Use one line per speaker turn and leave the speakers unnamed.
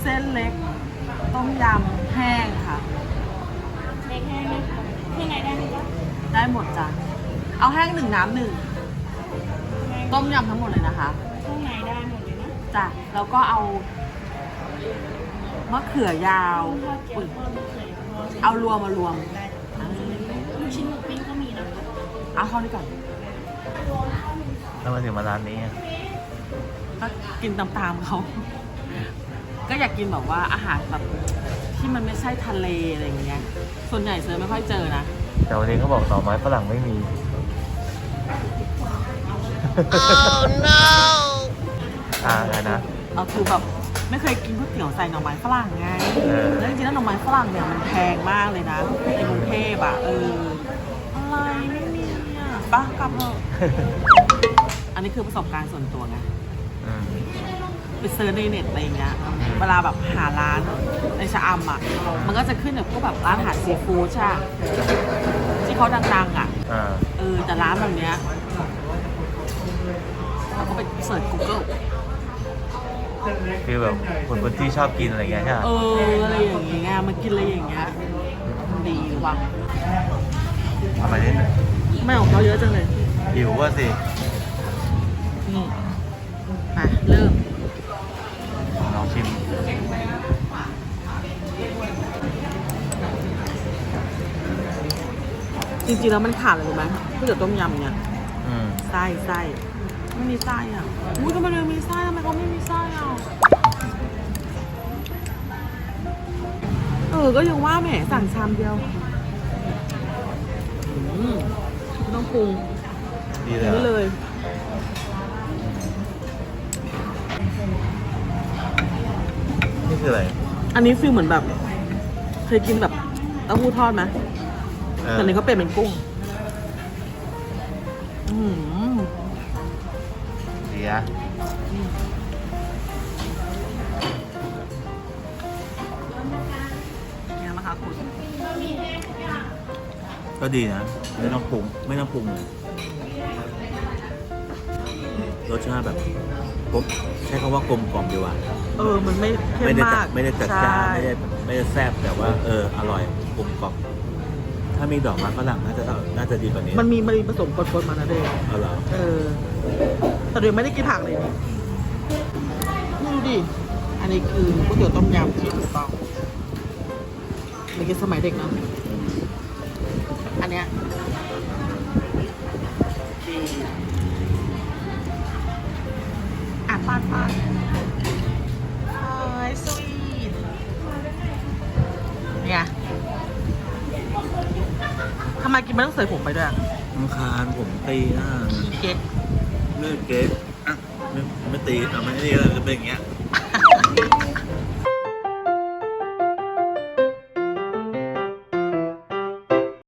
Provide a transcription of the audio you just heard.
เส้นเล็กต้มยำแห้งค่ะ
เล็กแห้งไหมคะที่ไหนได้ไหมจ๊ะ
ได้หมดจ้ะเอาแห้งหนึ่งน้ำหนึ่งต้มยำทั้งหมดเลยนะคะ
ข้างในได้หมดเลยนะ
จ้ะแล้วก็เอามะเขือยาวอุ๊ยเอารวมมารวม
ลูกชิ้นหมูปิ้งก็มีนะคะ
เอาเข้าด้วยก่อน
ทำไมถึงมาร้านนี้
ก็กินตามๆเขาก็อยากกินแบบว่าอาหารแบบที่มันไม่ใช่ทะเลอะไรอย่างเงี้ยส่วนใหญ่เซิร์ฟไม่ค่อยเจอนะ
แต่วันนี้เขาบอกหน่อไม้ฝรั่งไม่มีอะไรนะ
เราคือแบบไม่เคยกินก๋วยเตี๋ยวใส่หน่อไม้ฝรั่งไงแล้วจริงๆแล้วหน่อไม้ฝรั่งเนี่ยมันแพงมากเลยนะในกรุงเทพอ่ะอะไรไม่มีอ่ะปะกลับเถอะอันนี้คือประสบการณ์ส่วนตัวไงไปเซิร์ชในเน็ตอะไรอย่างเงี้ยเวลาแบบหาร้านในชะอำอ่ะมันก็จะขึ้นแบบพวกแบบร้านอาหารซีฟู้ดใช่ที่เขาดังๆอ่ะแต่ร้านแบบเนี้ยเราก็ไปเสิร์ช Google
คือแบบคนที่ชอบกินอะไรเงี้ยใช่ไหม
อะไรอย่างเงี้ยมากินอะไรอย่างเงี้ยดีว่ะ
ทำไมเนี่ย
ไม่ของเขาเยอะจังเลย
หิวว่าสิ
นี่มาเริ่ม
ลองชิม
จริงๆแล้วมันขาดอะไรรู้ไหมก๋วยเตี๋ยวต้มยำเนี่ยไส้ไม่มีไส้อ่ะอุ้ยทำไมเลยมีไส้ทำไมเขาไม่มีไส้อ่ะก็ยังว่าแหมสั่งชามเดียวไม่ต้องปรุง
ดี
เลย
นี่คืออะไร
อันนี้ฟีลเหมือนแบบเคยกินแบบเต้าหู้ทอดไหมแต่นี้เขาเป็นกุ้ง
ดีอะ
เนี่ยนะคะคุณ
ก็ดีนะไม่ต้องปรุงเลยรสชาติแบบผมใช้คำว่ากลมกล่อมดีกว่า
มันไม่เข้มมาก
ไม่ได้จัดจ้านไม่ได้แซ่บแต่ว่าอร่อยกลมกล่อมถ้ามีดอกไม้ฝรั่งน่าจะดีกว่านี้
มันมีผสมปนๆมานะเด็ก
เหรอ
แต่เดี๋ยวไม่ได้กินผักเลยนี่ดูดิอันนี้คือก๋วยเตี๋ยวต้มยำที่ถูกต้องไม่กินสมัยเด็กเนาะอันเนี้ยปาดสวีทเนี่ยทำไมกินไม่ต้องใส่ผงไปด้วย
น้ำคานผมตี
เก๊ก
เลือดเก๊กไม่ตีไม่ดีเลยจะเป็นอย่างเงี้ย